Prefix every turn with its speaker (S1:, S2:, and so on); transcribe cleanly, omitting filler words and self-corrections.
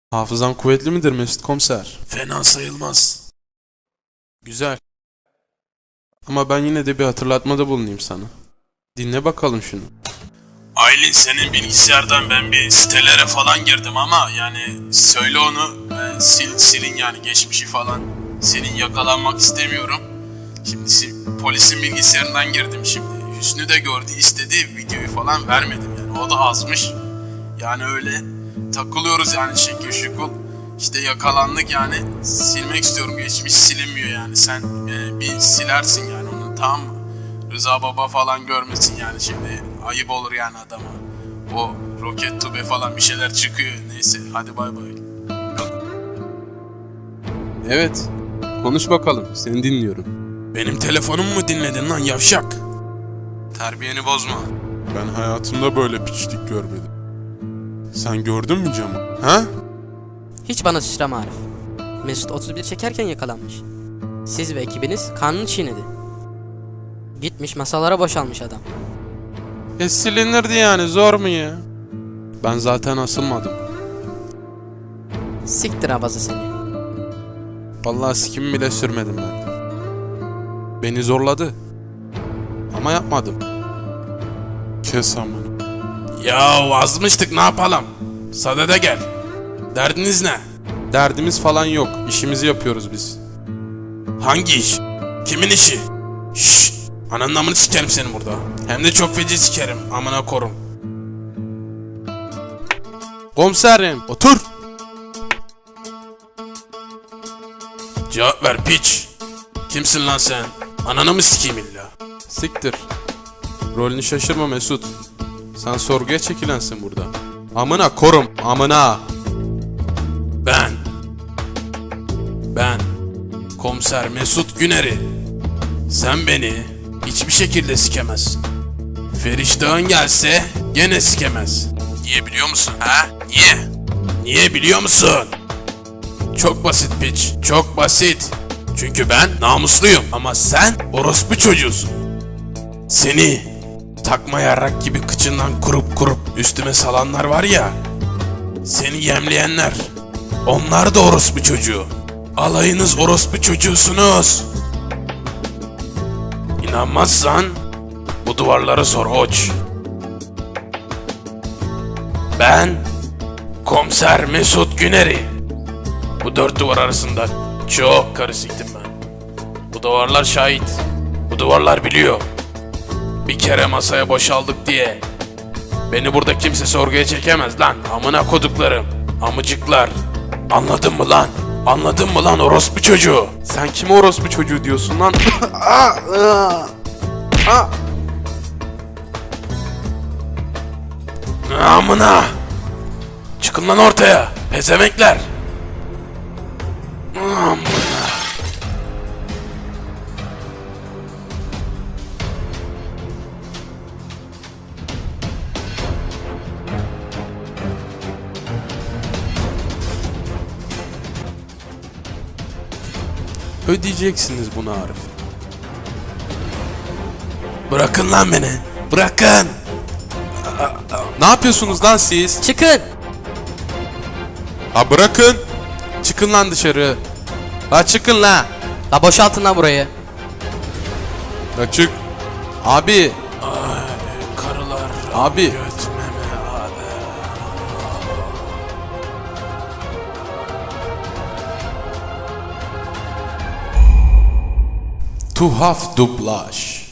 S1: Hafızan kuvvetli midir Mesut Komiser?
S2: Fena sayılmaz.
S1: Güzel. Ama ben yine de bir hatırlatmada bulunayım sana. Dinle bakalım şunu.
S2: Aylin, senin bilgisayardan ben bir sitelere falan girdim ama yani söyle onu silin yani geçmişi falan. Senin yakalanmak istemiyorum. Şimdi polisin bilgisayarından girdim şimdi. Hüsnü de gördü, istedi, videoyu falan vermedim yani, o da azmış. Yani öyle takılıyoruz yani, şekil şukul. İşte yakalandık yani, silmek istiyorum, geçmiş silinmiyor yani, sen bir silersin yani onu, tamam mı? Rıza Baba falan görmesin yani, şimdi ayıp olur yani adama. O roket tube falan bir şeyler çıkıyor, neyse hadi bay bay.
S1: Evet. Konuş bakalım. Seni dinliyorum.
S2: Benim telefonumu mu dinledin lan yavşak? Terbiyeni bozma.
S1: Ben hayatımda böyle piçlik görmedim. Sen gördün mü camı? Ha?
S3: Hiç bana sıçrama Arif. Mesut 31 çekerken yakalanmış. Siz ve ekibiniz kanını çiğnedi. Gitmiş masalara boşalmış adam.
S1: Silinirdi yani, zor mu ya? Ben zaten asılmadım.
S3: Siktir abazı seni.
S1: Vallahi sikimi bile sürmedim ben. Beni zorladı. Ama yapmadım. Kes amına.
S2: Ya azmıştık, ne yapalım? Sadede gel. Derdiniz ne?
S1: Derdimiz falan yok. İşimizi yapıyoruz biz.
S2: Hangi iş? Kimin işi? Şşt! Ananın amını sikerim seni burada. Hem de çok feci sikerim. Amına korum.
S1: Komiserim, otur.
S2: Cevap ver piç. Kimsin lan sen? Ananı mı sikeyim illa?
S1: Siktir. Rolünü şaşırma Mesut. Sen sorguya çekilensin burada. Amına korum, amına.
S2: Ben Komiser Mesut Güner'i. Sen beni hiçbir şekilde sikemezsin. Feriştah'ın gelse gene sikemez. Niye biliyor musun ha? Niye? Niye biliyor musun? Çok basit piç, çok basit. Çünkü ben namusluyum ama sen orospu çocuğusun. Seni takma yarrak gibi kıçından kurup üstüme salanlar var ya, seni yemleyenler, onlar da orospu çocuğu. Alayınız orospu çocuğusunuz. İnanmazsan bu duvarlara sor oç. Ben Komiser Mesut Güner'i. Bu dört duvar arasında çok karı siktim ben. Bu duvarlar şahit. Bu duvarlar biliyor. Bir kere masaya boşaldık diye beni burada kimse sorguya çekemez lan. Amına koduklarım. Amıcıklar. Anladın mı lan? Anladın mı lan orospu çocuğu?
S1: Sen kime orospu çocuğu diyorsun lan?
S2: Amına! Çıkın lan ortaya, pezemekler! Amına!
S1: Ödeyeceksiniz bunu Arif.
S2: Bırakın lan beni! Bırakın!
S1: Ne yapıyorsunuz lan siz?
S3: Çıkın!
S1: Ha bırakın. Çıkın lan dışarı. La çıkın la.
S3: La boşaltın lan burayı.
S1: La çık. Abi.
S2: Karılar
S1: Abi.
S2: götmeme abi.
S1: Tuhaf dublaj.